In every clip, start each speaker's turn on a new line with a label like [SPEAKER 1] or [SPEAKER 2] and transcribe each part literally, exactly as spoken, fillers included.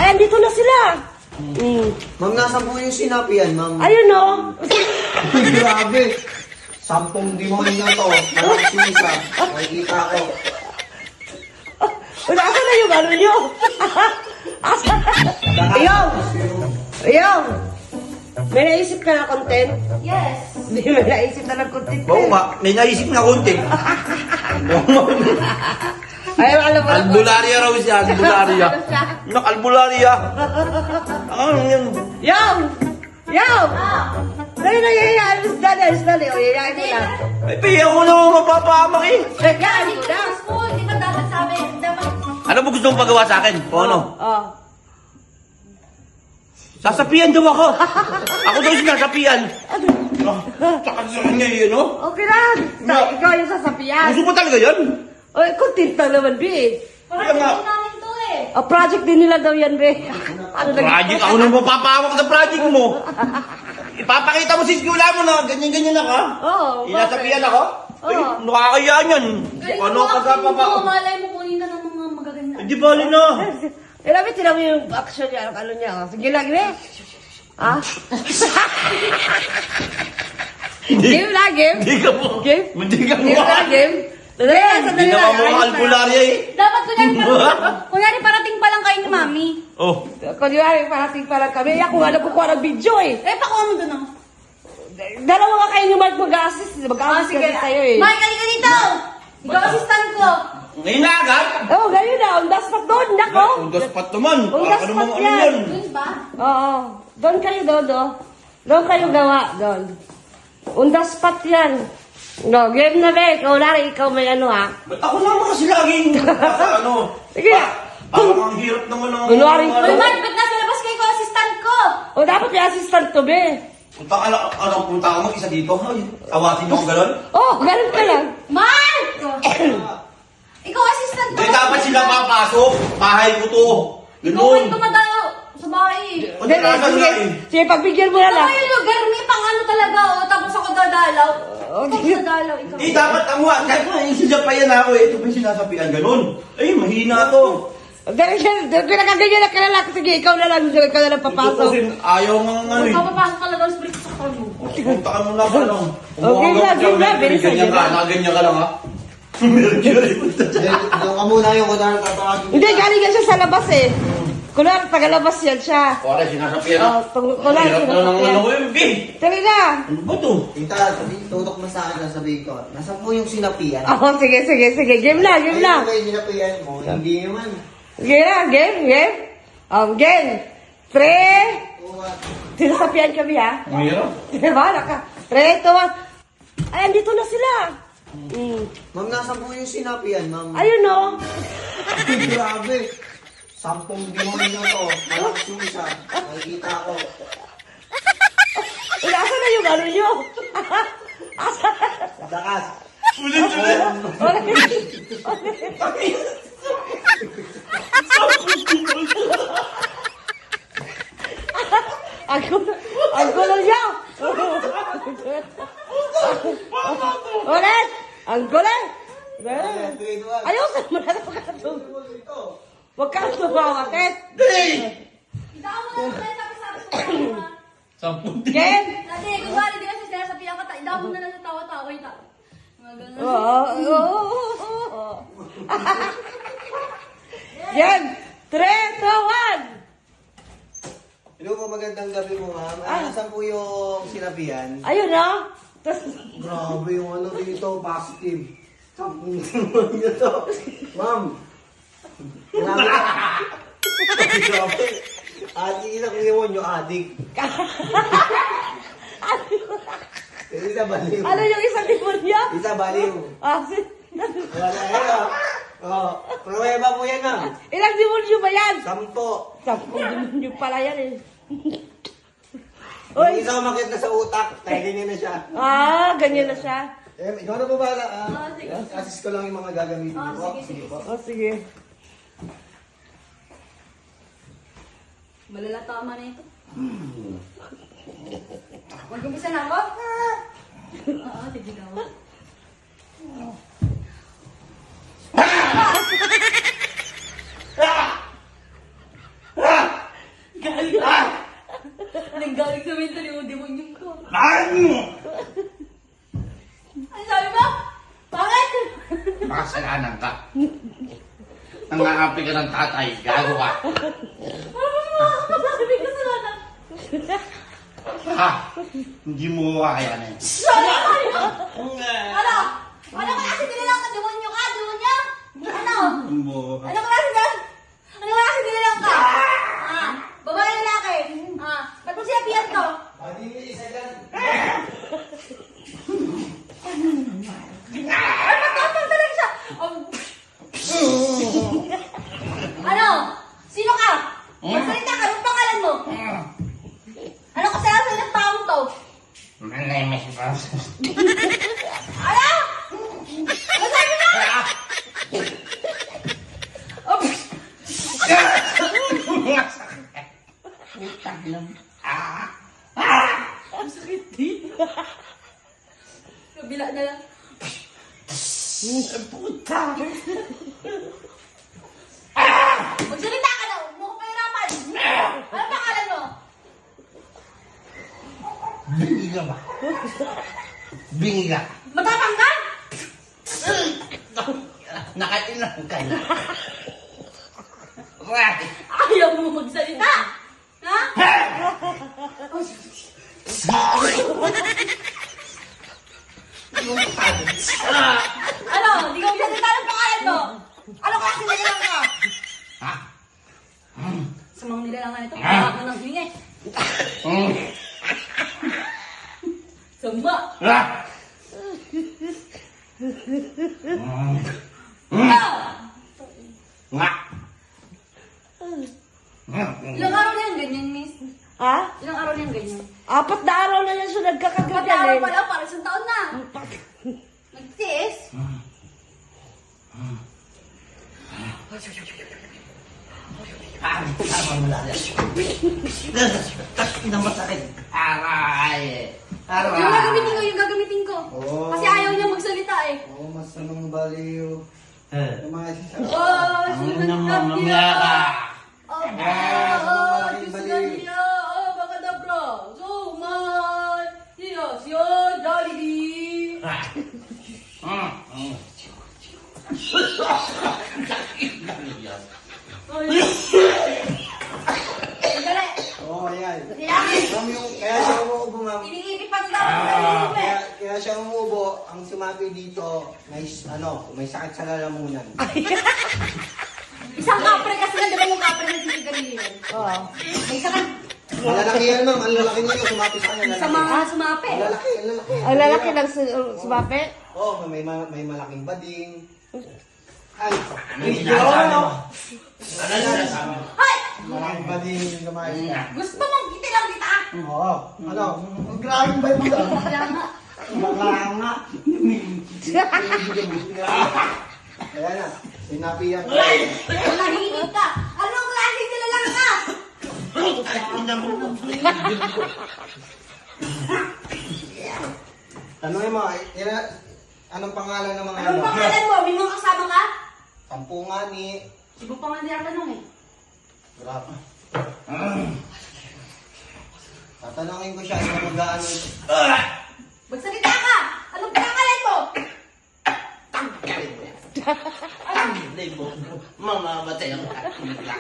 [SPEAKER 1] Ay, andito na sila. Mm.
[SPEAKER 2] Ma'am, nasa po yung sinapian, ma'am.
[SPEAKER 1] Ayun o.
[SPEAKER 2] Ay, grabe. Sampung demonyo na to. Malakas yung isa. Makikita ko.
[SPEAKER 1] Wala ka na yung ano nyo. Asa? Ayaw. Ayaw. May naisip ka na content?
[SPEAKER 3] Yes.
[SPEAKER 1] Hindi, may naisip na ng content.
[SPEAKER 4] Oo nga, may naisip na konti.
[SPEAKER 1] Ayaw, alam mo.
[SPEAKER 4] Albularia raw siya, albularia. Nak, albularia. Ano yun?
[SPEAKER 1] Yaw! Yaw! Dali na yaya, alis dali, alis dali. O, yayain mo na.
[SPEAKER 4] Ay, piya ko naman mapapahamak eh.
[SPEAKER 1] Yayain
[SPEAKER 3] Hindi
[SPEAKER 1] mo
[SPEAKER 3] ko
[SPEAKER 1] na.
[SPEAKER 3] na school. Di ba dapat sabi? Dapat...
[SPEAKER 4] Ano ba gusto mong pagawa sa akin? O ano?
[SPEAKER 1] Oh.
[SPEAKER 4] Sasapian daw ako. Ako daw sinasapian. Saka sa kanya yun, no?
[SPEAKER 1] Okay lang. Sa, ikaw yung sasapian.
[SPEAKER 4] Gusto mo talaga yan?
[SPEAKER 1] O, content lang naman, Bi.
[SPEAKER 3] Parang
[SPEAKER 4] Kaya nga.
[SPEAKER 3] hindi namin to eh.
[SPEAKER 1] O, project din nila daw yan, Bi. Ano nag-
[SPEAKER 4] Project, ako nang mapapahawak sa project mo. Ipapakita mo sa skula mo na ganyan-ganyan ako.
[SPEAKER 1] Oo.
[SPEAKER 4] Inasapian ako? Ay,
[SPEAKER 1] Oo.
[SPEAKER 4] nakakayaan yan.
[SPEAKER 3] Galing
[SPEAKER 4] Ano
[SPEAKER 3] mo
[SPEAKER 4] ka
[SPEAKER 3] acting
[SPEAKER 4] pa
[SPEAKER 3] mo. Malay mo kunin ka ng mga magaganda.
[SPEAKER 4] Hindi bali na.
[SPEAKER 1] Eh, Rabi, tinan mo yung action niya, ano niya. oh. Sige lang, Bi. Ah? Game lang, game.
[SPEAKER 4] Hindi ka mo.
[SPEAKER 1] Game?
[SPEAKER 4] Hindi ka mo.
[SPEAKER 1] Game lang, game. Dali,
[SPEAKER 4] Hindi
[SPEAKER 1] sandali
[SPEAKER 4] na
[SPEAKER 1] lang.
[SPEAKER 4] mo
[SPEAKER 1] ayos na.
[SPEAKER 4] albularya eh.
[SPEAKER 3] Dapat kunyari parating, kunyari parating pa lang kayo ni Mami.
[SPEAKER 4] Oh.
[SPEAKER 1] Kunyari, parating pa lang kami. Ako nga nagkukuha ng video eh.
[SPEAKER 3] Eh, pakuha mo doon ah.
[SPEAKER 1] Dalawa nga kayo yung mag-assist.
[SPEAKER 3] Ah,
[SPEAKER 1] Mag-assist
[SPEAKER 3] sige.
[SPEAKER 1] kasi sa'yo eh.
[SPEAKER 3] Mike, halika dito! Ikaw assistant ko.
[SPEAKER 4] Ngayon na agad?
[SPEAKER 1] Oo, oh, ganyan na. On the spot doon. Nako.
[SPEAKER 4] Ang daspat naman.
[SPEAKER 1] Ang
[SPEAKER 4] Baka
[SPEAKER 1] daspat
[SPEAKER 4] naman ano
[SPEAKER 1] yan.
[SPEAKER 4] yan.
[SPEAKER 3] Yun ba?
[SPEAKER 1] Oo. Doon kayo, Dodo. Doon kayo gawa. Doon. On the spot yan. No, game na be. Ikaw na rin. Ikaw may ano ha.
[SPEAKER 4] Ba't ako naman kasi laging nasa ano?
[SPEAKER 1] Sige.
[SPEAKER 4] Pa- Parang ang hirap naman ng...
[SPEAKER 1] Kunwari ko.
[SPEAKER 3] Uy, Mike, ba't nasa labas kayo ko assistant ko?
[SPEAKER 1] O dapat may assistant to be.
[SPEAKER 4] Punta ka lang, ano, punta ka mag-isa dito. Ay, awatin niyo ako gano'n.
[SPEAKER 1] Oh, ganun ka lang.
[SPEAKER 3] Mark! Ikaw assistant ko.
[SPEAKER 4] Hindi dapat sila papasok. Bahay ko to.
[SPEAKER 3] Ikaw ay
[SPEAKER 4] Ganun.
[SPEAKER 3] tumadayo sa bahay.
[SPEAKER 4] O, di nasa
[SPEAKER 1] Sige,
[SPEAKER 4] na eh.
[SPEAKER 1] sige, pagbigyan mo na
[SPEAKER 3] Ito
[SPEAKER 1] lang.
[SPEAKER 3] yung lugar, may pang ano talaga oh. Tapos ako dadalaw.
[SPEAKER 1] Oh,
[SPEAKER 3] Ako
[SPEAKER 1] sige.
[SPEAKER 3] dadalaw, ikaw.
[SPEAKER 4] Hindi, dapat ang wa. Kahit na yung sisapayan ako eh. Ito pa yung sinasapian. Ganun. Ay, mahina to.
[SPEAKER 1] Dahil pinakaganyan na kilala ko. Sige, ikaw na lang. Ikaw na lang
[SPEAKER 4] Ito
[SPEAKER 1] papasok.
[SPEAKER 4] kasi ayaw nga nga eh.
[SPEAKER 3] Magpapapasok talaga ang split sa kanya.
[SPEAKER 4] Punta ka muna ka lang.
[SPEAKER 1] Okay na, game na, bilis na,
[SPEAKER 4] Ganyan
[SPEAKER 1] game
[SPEAKER 4] ka,
[SPEAKER 1] na.
[SPEAKER 4] nakaganyan ka lang ha. Meron ka rin.
[SPEAKER 2] Doon ka muna yung kunwari tatawagin.
[SPEAKER 1] Hindi, galing yan siya sa labas eh. Kunwari, tagalabas yan siya.
[SPEAKER 4] Kore, sinasapian
[SPEAKER 1] Oh,
[SPEAKER 4] ha.
[SPEAKER 1] tung-
[SPEAKER 4] Ang
[SPEAKER 1] kunwari,
[SPEAKER 4] hirap na ng
[SPEAKER 1] sinasapian.
[SPEAKER 4] ano ko yun, Bi.
[SPEAKER 1] Tuloy na.
[SPEAKER 4] Ano ba to?
[SPEAKER 2] Tita, tutok mo sa akin na sabihin ko. Nasa po yung sinapian?
[SPEAKER 1] Oh, sige, sige, sige. Game na, game na.
[SPEAKER 2] Ayun ba yung sinapian mo? Hindi naman.
[SPEAKER 1] Game na, game, game. Um, game. Three.
[SPEAKER 2] Oo, ah.
[SPEAKER 1] Sinasapian kami ha.
[SPEAKER 4] Ang hirap.
[SPEAKER 1] Bahala ka. Three, two, one. Ay, andito na sila. Mm.
[SPEAKER 2] Ma'am, nasa po yung sinapian, ma'am?
[SPEAKER 1] Ayun o.
[SPEAKER 2] Ay, grabe. Sampung demonyo na to. Malakas yung isa. Makikita ko.
[SPEAKER 1] Asa na yung ano nyo? Asa?
[SPEAKER 2] Dakas.
[SPEAKER 4] Ulit, ulit.
[SPEAKER 1] Ang gulo, ang gulo niya. Ulit. Ang gulo.
[SPEAKER 2] Grade one.
[SPEAKER 1] Ayusin mo na lang katong.
[SPEAKER 2] Ito.
[SPEAKER 1] Huwag kang tumawaket.
[SPEAKER 3] Ikaw mo na lang tapos sabi sa kanya.
[SPEAKER 4] Sampung
[SPEAKER 1] Game.
[SPEAKER 3] Dati, kunwari, di ba siya sinasabihan ka, ikaw mo na lang sa tawa-tawa. Ita. Mga ganun.
[SPEAKER 1] Oo. Oo. Game. Three, two, one.
[SPEAKER 2] Hello po, magandang gabi mo, ma'am. Ah, nasan po yung sinapian?
[SPEAKER 1] Ayun o. Tapos,
[SPEAKER 2] Grabe yung ano dito, positive. Sampung demonyo to. Ma'am. Grabe. Grabe. Adik isang demonyo, adik. Isa baliw.
[SPEAKER 1] ano yung isang tipon niya?
[SPEAKER 2] Isa baliw.
[SPEAKER 1] Ah, si-
[SPEAKER 2] Wala yan ah. Oh, pruweba po yan ah.
[SPEAKER 1] ilang demonyo ba yan?
[SPEAKER 2] Sampo.
[SPEAKER 1] Sampung demonyo pala yan eh.
[SPEAKER 2] Yung
[SPEAKER 1] Uy.
[SPEAKER 2] isa umakit na sa utak, tayo na siya.
[SPEAKER 1] Ah, ganyan na siya.
[SPEAKER 2] Eh, ikaw na po bala. Ah,
[SPEAKER 3] Ah, sige.
[SPEAKER 2] assist ko lang yung mga gagamitin
[SPEAKER 3] Ah,
[SPEAKER 2] ko.
[SPEAKER 3] sige, sige.
[SPEAKER 2] po.
[SPEAKER 1] Oh, sige.
[SPEAKER 3] Malala tama na ito. Mag-umpisa na ako? Oo, sige daw. galing sa mentally yung demonyo ko.
[SPEAKER 4] Ano?
[SPEAKER 3] Ano sabi mo? Bakit?
[SPEAKER 4] Makasalanan ka. Nang-aapi ka ng tatay, gago ka.
[SPEAKER 3] Ano ba yung makakapagsasabi ko sa lahat?
[SPEAKER 4] Ha? Hindi mo kakayanin.
[SPEAKER 3] Sorry! Ano? Ano ka kasi nilalang ka? Demonyo ka? Demonyo? Ano?
[SPEAKER 4] Mo.
[SPEAKER 3] Ano ka kasi nilalang? Ano ka kasi nilalang ka? Ah, babae lalaki. Ah, ba't mo sinabihan to?
[SPEAKER 2] Hindi, isa dyan.
[SPEAKER 3] Ay, matapang talaga siya. Um, ano? Sino ka? Magsalita ka. Anong pangalan mo? Ano kasalanan ng taong to?
[SPEAKER 4] My name is Francis.
[SPEAKER 3] Ano? Ano sabi mo? Oh,
[SPEAKER 4] Utang lang. Ah!
[SPEAKER 3] kabila na lang.
[SPEAKER 4] Puta!
[SPEAKER 3] Magsalita ka na. Huwag mo ko pahirapan. Ano pangalan mo?
[SPEAKER 4] Bingi ka ba? Bingi ka.
[SPEAKER 3] Matapang ka?
[SPEAKER 4] Nakailang ka na. Right.
[SPEAKER 3] Ayaw mo magsalita. Ha? Ano? Hindi ka magsalita ng pangalan mo. Ano kasi nilalang ka?
[SPEAKER 4] Ha?
[SPEAKER 3] Sa mga nilalangan ito, pahak mo ng hingi.
[SPEAKER 4] Mm.
[SPEAKER 3] Sama.
[SPEAKER 4] Ah! Mm.
[SPEAKER 3] Ano?
[SPEAKER 4] Nga.
[SPEAKER 3] Ilang araw na yung ganyan, miss?
[SPEAKER 1] Ha?
[SPEAKER 3] Ilang araw na yung ganyan?
[SPEAKER 1] Apat na araw na yan siya
[SPEAKER 3] Pati araw
[SPEAKER 1] nagkakaganyan
[SPEAKER 3] pa lang, parang isang taon na. Nagtiis.
[SPEAKER 4] Ah, tama mo lang. Tas na masakit. Aray. Aray.
[SPEAKER 3] Yung gagamitin ko, yung gagamitin ko.
[SPEAKER 2] Oo.
[SPEAKER 3] Kasi ayaw niya magsalita eh.
[SPEAKER 2] Oo, mas anong baliw.
[SPEAKER 4] Eh.
[SPEAKER 2] Yung mga sisa.
[SPEAKER 3] Oh,
[SPEAKER 4] Ang
[SPEAKER 3] sunod
[SPEAKER 4] nang
[SPEAKER 3] na
[SPEAKER 4] mamaya ka.
[SPEAKER 3] Oh,
[SPEAKER 2] Ah,
[SPEAKER 3] oh,
[SPEAKER 2] malaking
[SPEAKER 3] Diyos
[SPEAKER 2] baliw.
[SPEAKER 3] na niya. Oh, baka dabra. So, man. Yes, yo, Jollibee.
[SPEAKER 4] Ah. Mm. Mm.
[SPEAKER 3] Oh, Sandali.
[SPEAKER 2] Oo, ayan.
[SPEAKER 3] Kaya,
[SPEAKER 2] Ma'am, yung, kaya siya umuubo, ma'am.
[SPEAKER 3] iniipit pa ito dapat sa iniipit.
[SPEAKER 2] Kaya, kaya siya umuubo, ang sumabi dito, may, ano, may sakit sa lalamunan.
[SPEAKER 3] Isang kapre kasi na, di ba yung kapre na sinigarilyo?
[SPEAKER 1] Oo.
[SPEAKER 3] May sakit.
[SPEAKER 2] Ang lalaki yan, ma'am. Ang lalaki niya yung sumapi sa kanya.
[SPEAKER 3] Sa mga sumapi.
[SPEAKER 2] Ang lalaki, ang lalaki.
[SPEAKER 1] Ang lalaki ng su- sumapi?
[SPEAKER 2] Oo, oh, may, ma- may malaking bading. Ay,
[SPEAKER 4] Ano yung sinasabi mo? Ano yung sinasabi mo?
[SPEAKER 3] Hoy!
[SPEAKER 2] malaking bading yung lumayas ka.
[SPEAKER 3] Gusto mong kitilang kita?
[SPEAKER 2] Oo. Ano? Ang grabe ba yung mga?
[SPEAKER 3] Kaya nga.
[SPEAKER 2] Bakla nga. Kaya na, sinapiyan ko.
[SPEAKER 3] Nahihingit ka. Anong klase nila lang ka?
[SPEAKER 2] Tanungin mo, ina, anong pangalan ng mga
[SPEAKER 3] Anong pangalan mo? May mga kasama ka?
[SPEAKER 2] Sampu nga ni...
[SPEAKER 3] Sibo pa nga niya tanong eh.
[SPEAKER 2] Grabe. Tatanungin ko siya, ano mag-ano.
[SPEAKER 3] Magsalita ka! Anong pangalan mo?
[SPEAKER 4] Mamamatay ang kakila.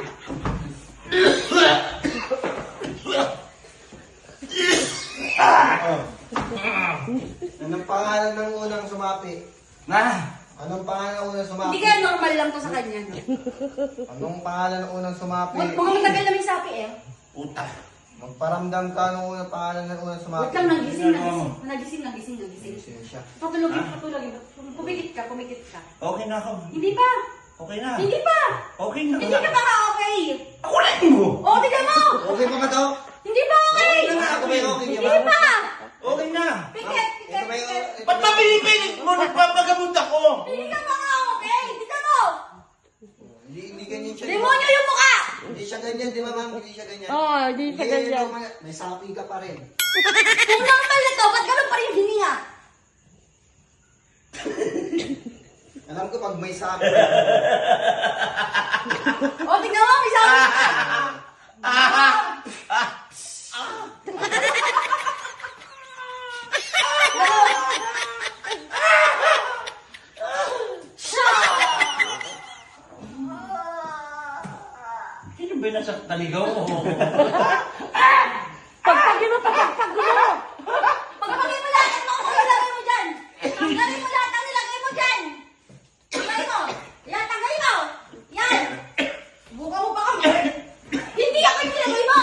[SPEAKER 2] Oh. Anong pangalan ng unang sumapi?
[SPEAKER 4] Na?
[SPEAKER 2] Anong pangalan ng unang sumapi?
[SPEAKER 3] Hindi kaya normal lang to sa kanya.
[SPEAKER 2] Anong pangalan ng unang sumapi?
[SPEAKER 3] Mga mga matagal na may sapi eh.
[SPEAKER 4] Puta.
[SPEAKER 2] Magparamdam ka ng unang pangalan ng unang sumapi.
[SPEAKER 3] Wait lang, nagising, nagising. Nagising, nagising, nagising.
[SPEAKER 2] Sige siya.
[SPEAKER 3] Patulogin, patulogin. Pumikit ka, pumikit ka.
[SPEAKER 4] Okay na ako.
[SPEAKER 3] Hindi pa!
[SPEAKER 4] Okay na.
[SPEAKER 3] Hindi pa!
[SPEAKER 4] Okay na.
[SPEAKER 3] Hindi ka pa ka okay!
[SPEAKER 4] Ako lang mo.
[SPEAKER 3] O, tignan mo!
[SPEAKER 2] Okay pa ka daw?
[SPEAKER 3] Hindi pa okay!
[SPEAKER 2] Okay na, ako may okay
[SPEAKER 3] Hindi
[SPEAKER 2] ka ba?
[SPEAKER 3] pa!
[SPEAKER 4] Okay na.
[SPEAKER 3] Pikit, pikit,
[SPEAKER 2] Ito may...
[SPEAKER 3] pikit.
[SPEAKER 2] ito
[SPEAKER 4] Ba't
[SPEAKER 2] may-
[SPEAKER 4] ba pinipilit mo? Nagpapagamot ako.
[SPEAKER 3] Hindi ka pa ka okay! Tignan mo!
[SPEAKER 2] Hindi, hindi ganyan siya.
[SPEAKER 3] Demonyo yung mukha!
[SPEAKER 2] Hindi siya ganyan, di ba ma'am? Hindi siya ganyan.
[SPEAKER 1] Oo, hindi siya ganyan.
[SPEAKER 2] may- May sapi ka pa rin.
[SPEAKER 3] Kung normal na to, ba't ganun pa rin yung hininga?
[SPEAKER 2] Alam ko pag may sapi.
[SPEAKER 3] O, tignan mo, may sabi ka!
[SPEAKER 4] Yung ba nasa taligaw mo?
[SPEAKER 1] Pagpagin mo, pagpagpag mo.
[SPEAKER 3] Pagpagin mo lahat mo kung ilagay mo dyan. Tanggalin mo lahat ang nilagay mo dyan. Tanggalin mo. Yan, tanggalin mo. Yan. Buka mo pa kami. Hindi ako yung nilagay mo.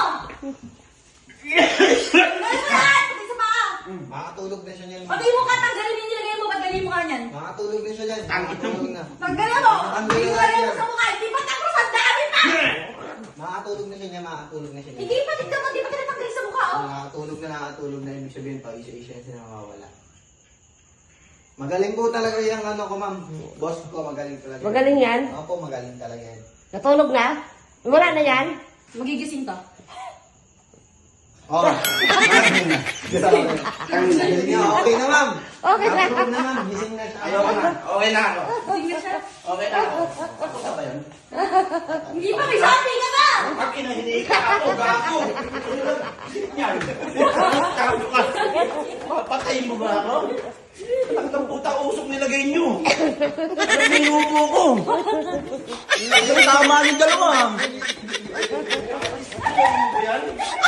[SPEAKER 3] Tanggalin mo lahat. Pagay sa paa.
[SPEAKER 2] Makatulog na siya niyan.
[SPEAKER 3] Pagay mo ka, tanggalin yung nilagay mo. Paggalin mo ka niyan.
[SPEAKER 2] Makatulog na siya niyan. Makatulog na.
[SPEAKER 3] Tanggalin mo. Yung nilagay mo sa mukha. Hindi pa tapos. Ang dami pa.
[SPEAKER 2] Makatulog na siya niya. Makatulog na siya niya.
[SPEAKER 3] Hindi pa. Tignan mo. Hindi pa tinatanggalin sa mukha. Oh.
[SPEAKER 2] Nakatulog na nakatulog na. Ibig sabihin pa, isa-isa siya nakawala. Magaling po talaga yung ano ko, ma'am. Boss ko, magaling talaga.
[SPEAKER 1] Magaling yan?
[SPEAKER 2] Opo, magaling talaga yan.
[SPEAKER 1] Natulog na? Wala na yan?
[SPEAKER 3] Magigising ka.
[SPEAKER 2] Oh. Magaling na. Magaling na. Okay na, ma'am.
[SPEAKER 1] Okay na.
[SPEAKER 2] Nakatulog na, ma'am. Gising na siya.
[SPEAKER 4] Ayoko na. Okay na ako.
[SPEAKER 3] Gising na siya.
[SPEAKER 4] Okay na ako. Ako ka ba yun?
[SPEAKER 3] Hindi pa. May sabi ka ba?
[SPEAKER 4] Ang kinahinihi ka ako, gago. Yan. Gago ka. Papatayin mo ba ako? Ang puta usok nilagay nyo. Ninupo ko. Tama yung dalawa. Yan.